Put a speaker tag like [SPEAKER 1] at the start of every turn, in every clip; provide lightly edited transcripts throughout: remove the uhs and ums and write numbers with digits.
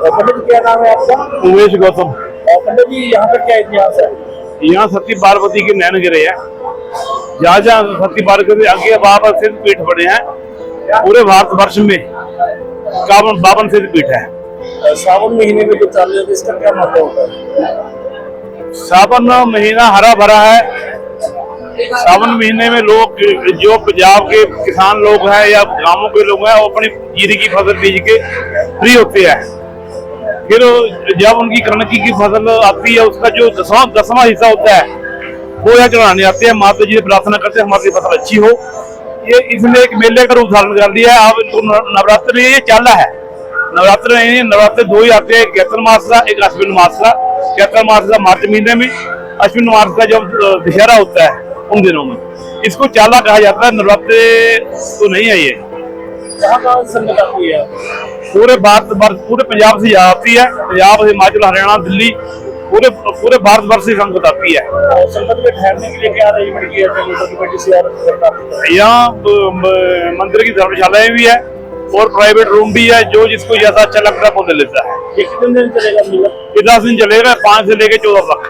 [SPEAKER 1] पंडित जी क्या नाम है आपका?
[SPEAKER 2] उमेश गौतम।
[SPEAKER 1] पंडित जी यहाँ का क्या इतिहास है?
[SPEAKER 2] यहाँ सती पार्वती के नैन गिरे हैं। जहाँ जहाँ सती पार्वती आगे बावन सिद्ध पीठ बने हैं पूरे भारतवर्ष में, 52 सिद्ध पीठ है।
[SPEAKER 1] सावन महीने में जो चालू है इसका क्या मतलब होता है?
[SPEAKER 2] सावन महीना हरा भरा है। सावन महीने में लोग जो पंजाब के किसान लोग हैं या गांवों के लोग हैं वो अपनी जीरी की फसल बीज के फ्री होते हैं। फिर जब उनकी कणक की फसल आती है उसका जो 10वां हिस्सा होता है वो यहाँ चढ़ाने आते हैं। माता जी से प्रार्थना करते हैं हमारी फसल अच्छी हो। ये इसने एक मेले का रूप धारण कर दिया है। अब इनको नवरात्र ये चाला है। नवरात्र 2 ही आते हैं, चैत्र मास का, एक अश्विन मास का। चैत्र मास का मार्च महीने में, अश्विन मास का जब दशहरा होता है उन दिनों में। इसको चाला कहा जाता है। नवरात्र तो नहीं है ये।
[SPEAKER 1] कहाँ संगत आती है?
[SPEAKER 2] पूरे भारत पूरे पंजाब से आती है। पंजाब, हिमाचल, हरियाणा, दिल्ली, पूरे भारतवर्ष से संगत आती है।
[SPEAKER 1] और संगत में ठहरने के लिए क्या अरेंजमेंट किया है?
[SPEAKER 2] यहाँ मंदिर की धर्मशालाएं भी है और प्राइवेट रूम भी है। जो जिसको जैसा अच्छा लगता है वो ले लेता है।
[SPEAKER 1] ये कितने दिन चलेगा मेला?
[SPEAKER 2] ये 10 दिन चलेगा, 5 से लेके 14 तक।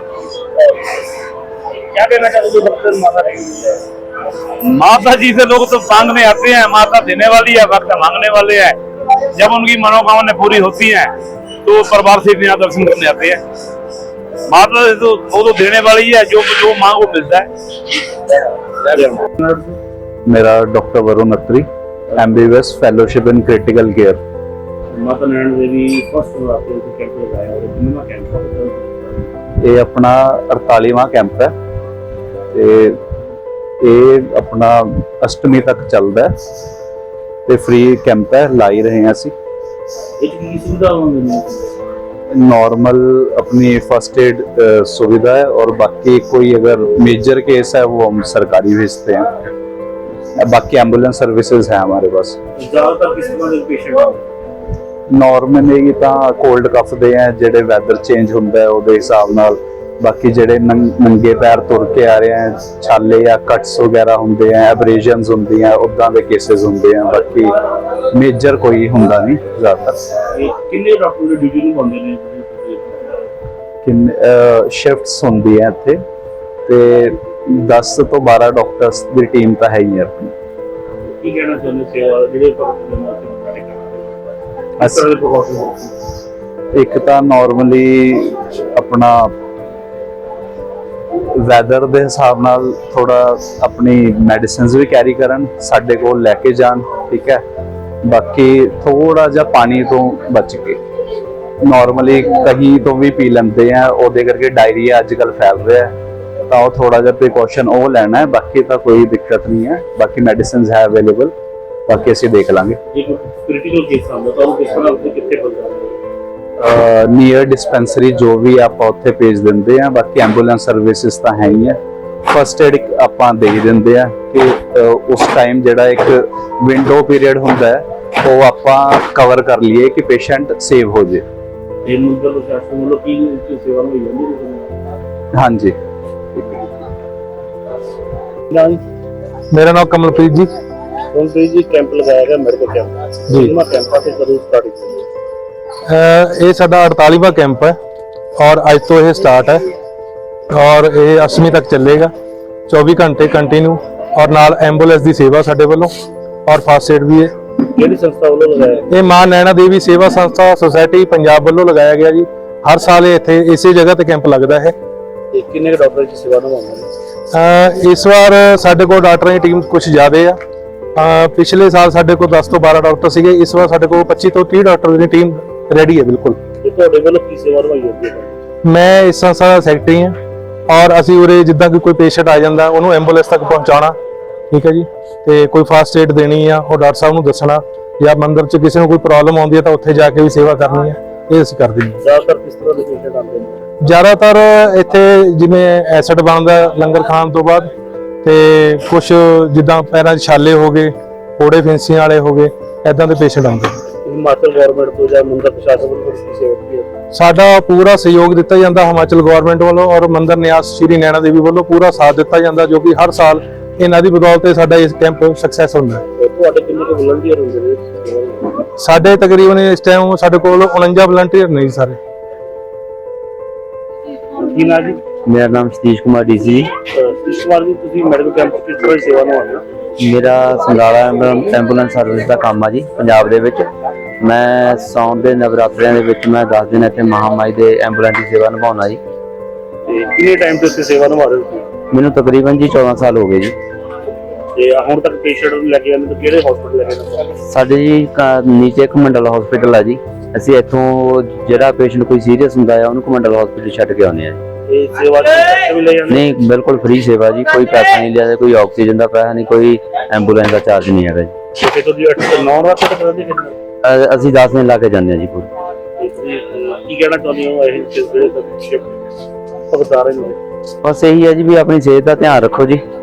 [SPEAKER 1] क्या कहना चाहते हैं भक्त माता रानी?
[SPEAKER 2] माता जी से लोग तो मांगने आते हैं। माता देने वाली है, भक्त मांगने वाले हैं। जब उनकी मनोकामना पूरी होती है तो परिवार से यहाँ दर्शन करने आते हैं। माता से तो वो तो देने वाली है, जो मांग वो मिलता है।
[SPEAKER 3] मेरा doctor Varun Atri, MBBS fellowship in critical care.
[SPEAKER 1] Mata Naina Devi first नवरात्रे को कैंप लगाया और कितना कैंप है?
[SPEAKER 3] ये अपना 48वां कैंप है ਤੇ ਇਹ ਆਪਣਾ ਅਸ਼ਟਮੀ ਤੱਕ ਚੱਲਦਾ ਹੈ ਤੇ ਫ੍ਰੀ ਕੈਂਪ ਹੈ। ਲਾ ਹੀ ਰਹੇ ਹਾਂ ਅਸੀਂ।
[SPEAKER 1] ਇਹ ਕੀ ਸੁਵਿਧਾ ਹੁੰਦੀ ਹੈ?
[SPEAKER 3] नॉर्मल अपनी फर्स्ट एड सुविधा है और बाकी कोई अगर मेजर केस है वो हम सरकारी भेजते हैं। बाकी एम्बुलेंस सर्विसेज है हमारे पास।
[SPEAKER 1] ज़्यादातर किस तरह के पेशेंट हैं?
[SPEAKER 3] नॉर्मली ਤਾਂ ਕੋਲਡ ਕਫ ਦੇ ਆ ਜਿਹੜੇ ਵੈਦਰ ਚੇਂਜ ਹੁੰਦਾ ਹੈ ਉਹਦੇ ਹਿਸਾਬ ਨਾਲ। ਬਾਕੀ ਜਿਹੜੇ ਨੰਗੇ ਪੈਰ ਤੁਰ ਕੇ ਆ ਰਹੇ ਆ, ਛਾਲੇ ਜਾਂ ਕਟਸ ਵਗੈਰਾ ਹੁੰਦੇ ਆ, ਐਬਰੇਸ਼ਨਸ ਹੁੰਦੀਆਂ, ਉਦਾਂ ਦੇ ਕੇसेस ਹੁੰਦੇ ਆ। ਬਾਕੀ ਮੇਜਰ ਕੋਈ ਹੁੰਦਾ ਨਹੀਂ ਜ਼ਿਆਦਾਤਰ।
[SPEAKER 1] ਕਿੰਨੇ ਡਾਕਟਰ ਦੀ ਡਿਊਟੀ ਨੂੰ ਪਾਉਂਦੇ ਨੇ?
[SPEAKER 3] ਕਿੰਨੇ ਸ਼ਿਫਟਸ ਹੁੰਦੀ ਹੈ ਇੱਥੇ ਤੇ 10 ਤੋਂ 12 ਡਾਕਟਰਸ ਦੀ ਟੀਮ ਤਾਂ ਹੈ ਹੀ ਹੈ ਆਪਣੀ।
[SPEAKER 1] ਕੀ ਕਹਿਣਾ ਚਾਹੁੰਦੇ ਸੇਵਾ ਜਿਹੜੇ ਭਗਤ ਦੇ ਨਾਲ
[SPEAKER 3] ਇੱਕ ਤਾਂ ਨਾਰਮਲੀ ਆਪਣਾ ਵੈਦਰ ਦੇ ਹਿਸਾਬ ਨਾਲ ਥੋੜਾ ਆਪਣੀ ਮੈਡੀਸਿਨਸ ਵੀ ਕੈਰੀ ਕਰਨ, ਸਾਡੇ ਕੋਲ ਲੈ ਕੇ ਜਾਣ। ਠੀਕ ਹੈ। ਬਾਕੀ ਥੋੜਾ ਜਿਹਾ ਪਾਣੀ ਤੋਂ ਬਚ ਕੇ, ਨਾਰਮਲੀ ਕहीं ਤੋਂ ਵੀ ਪੀ ਲੈਂਦੇ ਆ, ਉਹਦੇ ਕਰਕੇ ਡਾਇਰੀਆ ਅੱਜ ਕੱਲ ਫੈਲ ਰਿਹਾ ਹੈ ਤਾਂ ਉਹ ਥੋੜਾ ਜਿਹਾ ਪ੍ਰੀਕਾਸ਼ਨ ਉਹ ਲੈਣਾ ਹੈ। ਬਾਕੀ ਤਾਂ ਕੋਈ ਦਿੱਕਤ ਨਹੀਂ ਹੈ। ਬਾਕੀ ਮੈਡੀਸਿਨਸ ਹੈ ਅਵੇਲੇਬਲ। ਬਾਕੀ ਅਸੀਂ ਦੇਖ ਲਾਂਗੇ।
[SPEAKER 1] ਕ੍ਰਿਟੀਕਲ ਕੇਸ ਆਉਂਦਾ ਤਾਂ ਉਹ ਕਿਸ ਤਰ੍ਹਾਂ ਕਿੱਥੇ ਪਹੁੰਚਾਉਂਦੇ?
[SPEAKER 3] ਨੀਅਰ ਡਿਸਪੈਂਸਰੀ ਜੋ ਵੀ ਆਪਾਂ ਉੱਥੇ ਭੇਜ ਦਿੰਦੇ ਆ। ਬਾਕੀ ਐਂਬੂਲੈਂਸ ਸਰਵਿਸਿਜ਼ ਤਾਂ ਹੈ ਹੀ ਹੈ। ਫਸਟ ਏਡ ਆਪਾਂ ਦੇ ਦਿੰਦੇ ਆ ਕਿ ਉਸ ਟਾਈਮ ਜਿਹੜਾ ਇੱਕ ਵਿੰਡੋ ਪੀਰੀਅਡ ਹੁੰਦਾ ਹੈ ਉਹ ਆਪਾਂ ਕਵਰ ਕਰ ਲਈਏ ਕਿ ਪੇਸ਼ੈਂਟ ਸੇਵ ਹੋ ਜੇ।
[SPEAKER 1] ਇਹ ਮੁੱਦਲ ਪ੍ਰਸ਼ਾਸਨ ਵੱਲੋਂ ਕੀ ਸੇਵਾ ਹੋਈ ਜਾਂਦੀ?
[SPEAKER 3] ਹਾਂਜੀ।
[SPEAKER 4] मेरा नाम कमलप्रीत जी।
[SPEAKER 1] जी कैंप लगाया गया मेडिकल कैंप
[SPEAKER 4] जी।
[SPEAKER 1] कैंप से कदों स्टार्टिंग?
[SPEAKER 4] ये साडा 48वां कैंप है और आज तो ये स्टार्ट है और ये 8वीं तक चलेगा। 24 घंटे कंटिन्यू और नाल एंबुलेंस की सेवा साडे वालों और फास्ट एड भी है।
[SPEAKER 1] किहड़ी संस्था वालों लगाया?
[SPEAKER 4] ये मां नैना देवी सेवा संस्था सोसाइटी पंजाब वालों लगाया गया जी। हर साल इत्थे इसी जगह ते कैंप लगता है।
[SPEAKER 1] किन्ने डॉक्टर की सेवा निभाउंदे?
[SPEAKER 4] इस बार साडे कोल डॉक्टरां दी टीम कुछ ज़्यादा है। पिछले साल साडे कोल 10 तो 12 डॉक्टर सीगे। इस बार साडे कोल 25 तो 30 डॉक्टर की टीम रेडी है बिल्कुल।
[SPEAKER 1] ਤੁਹਾਡੇ ਵੱਲੋਂ ਕੀ ਸੇਵਾ ਨਿਭਾਈ ਜਾਂਦੀ ਹੈ?
[SPEAKER 4] मैं इस संस्था का सैकटरी हाँ और असी उरे जिद्दां कोई पेशेंट आ जाता उन्होंने एंबुलेंस तक पहुँचाना। ठीक है जी। तो कोई फास्ट एड देनी है और डॉक्टर साहब को दसना या मंदिर च किसी को कोई प्रॉब्लम आती है तो उत्थे जाके भी सेवा करनी है। ये असीं करते हैं।
[SPEAKER 1] ज़्यादातर किस तरह के पेशेंट आते हैं?
[SPEAKER 4] ज़्यादातर इत्थे जिवें एसिड बनता लंगर खाण तो बाद ते कुछ जिद्दां पैरां 'च छाले हो गए, फोड़े फिंसियां वाले हो गए, इदां दे पेशेंट आते हैं।
[SPEAKER 1] हिमाचल गवर्नमेंट तो या मंदिर प्रशासन को सेवा की है?
[SPEAKER 4] साडा पूरा सहयोग दिता जाता हिमाचल गवर्नमेंट वालों और मंदिर न्यास श्री नैना देवी वालों पूरा साथ दिता जाता जो कि हर साल इन्हां दी बदौलत साडा इस कैंप सक्सैस होंदा है।
[SPEAKER 1] तुहाडे किन्ने के वॉलंटियर होंदे ने?
[SPEAKER 4] ਸਾਡੇ ਤਕਰੀਬਨ ਇਸ ਟਾਈਮ ਸਾਡੇ ਕੋਲ 49 ਵਲੰਟੀਅਰ ਨੇ ਜੀ ਸਾਰੇ।
[SPEAKER 1] ਕੀ ਨਾ ਜੀ?
[SPEAKER 5] ਮੇਰਾ ਨਾਮ ਸਤੀਸ਼ ਕੁਮਾਰ ਡੀਸੀ ਜੀ।
[SPEAKER 1] ਇਸ ਵਾਰ ਵੀ ਤੁਸੀਂ ਮੈਡੀਕਲ ਕੈਂਪ ਕਿਸ ਤਰ੍ਹਾਂ ਦੀ ਸੇਵਾ ਨਿਭਾਉਂਦੇ ਹੋ?
[SPEAKER 5] ਮੇਰਾ ਸੰਗਾਲਾ ਐਂਬੂਲੈਂਸ ਸਰਵਿਸ ਦਾ ਕੰਮ ਆ ਜੀ ਪੰਜਾਬ ਦੇ ਵਿੱਚ। ਮੈਂ ਸਾਉਣ ਦੇ ਨਵਰਾਤਰਿਆਂ ਦੇ ਵਿੱਚ ਮੈਂ 10 ਦਿਨ ਇੱਥੇ ਮਹਾਮਾਈ ਦੇ ਐਂਬੂਲੈਂਸ ਦੀ ਸੇਵਾ ਨਿਭਾਉਣਾ ਜੀ।
[SPEAKER 1] ਤੇ ਕਿੰਨੇ ਟਾਈਮ ਤੋਂ ਇੱਥੇ ਸੇਵਾ ਨਿਭਾ ਰਹੇ ਹੋ ਤੁਸੀਂ?
[SPEAKER 5] ਮੈਨੂੰ ਤਕਰੀਬਨ ਜੀ 14 ਸਾਲ ਹੋ ਗਏ ਜੀ।
[SPEAKER 1] ਤੇ ਹੁਣ ਤੱਕ ਪੇਸ਼ੈਂਟ ਨੂੰ ਲੈ ਕੇ ਜਾਂਦੇ ਤਾਂ ਕਿਹੜੇ ਹਸਪੀਟਲ ਲੈ ਕੇ ਜਾਂਦੇ ਹੋ?
[SPEAKER 5] ਸਾਡੇ ਜੀ ਨੀਚੇ ਕਮੰਡਲ ਹਸਪੀਟਲ ਆ ਜੀ। ਅਸੀਂ ਇੱਥੋਂ ਜਿਹੜਾ ਪੇਸ਼ੈਂਟ ਕੋਈ ਸੀਰੀਅਸ ਹੁੰਦਾ ਆ ਉਹਨੂੰ ਕਮੰਡਲ ਹਸਪੀਟਲ ਛੱਡ ਕੇ ਆਉਂਦੇ ਆ ਜੀ।
[SPEAKER 1] ਤੇ ਸੇਵਾ ਦੇ ਪੈਸੇ ਵੀ ਲੈ ਜਾਂਦੇ?
[SPEAKER 5] ਨਹੀਂ, ਬਿਲਕੁਲ ਫ੍ਰੀ ਸੇਵਾ ਜੀ। ਕੋਈ ਪੈਸਾ ਨਹੀਂ ਲਿਆ, ਕੋਈ ਆਕਸੀਜਨ ਦਾ ਪੈਸਾ ਨਹੀਂ, ਕੋਈ ਐਂਬੂਲੈਂਸ ਦਾ ਚਾਰਜ ਨਹੀਂ ਹੈਗਾ ਜੀ।
[SPEAKER 1] ਤੇ ਤੁਸੀਂ 8 ਤੋਂ 9 ਰਾਤ ਤੱਕ ਕਰਦੇ ਕਿੰਨੇ?
[SPEAKER 5] ਅਸੀਂ 10 ਦਿਨ ਲਾ ਕੇ ਜਾਂਦੇ ਆ ਜੀ ਪੂਰੀ।
[SPEAKER 1] ਕੀ ਕਹਿਣਾ ਚਾਹੁੰਦੇ ਹੋ ਇਹ ਜਿਹੜੇ ਭਗਤਾਰੇ ਨੇ?
[SPEAKER 5] ਬਸ ਇਹੀ ਹੈ ਜੀ ਵੀ ਆਪਣੀ ਸਿਹਤ ਦਾ ਧਿਆਨ ਰੱਖੋ ਜੀ।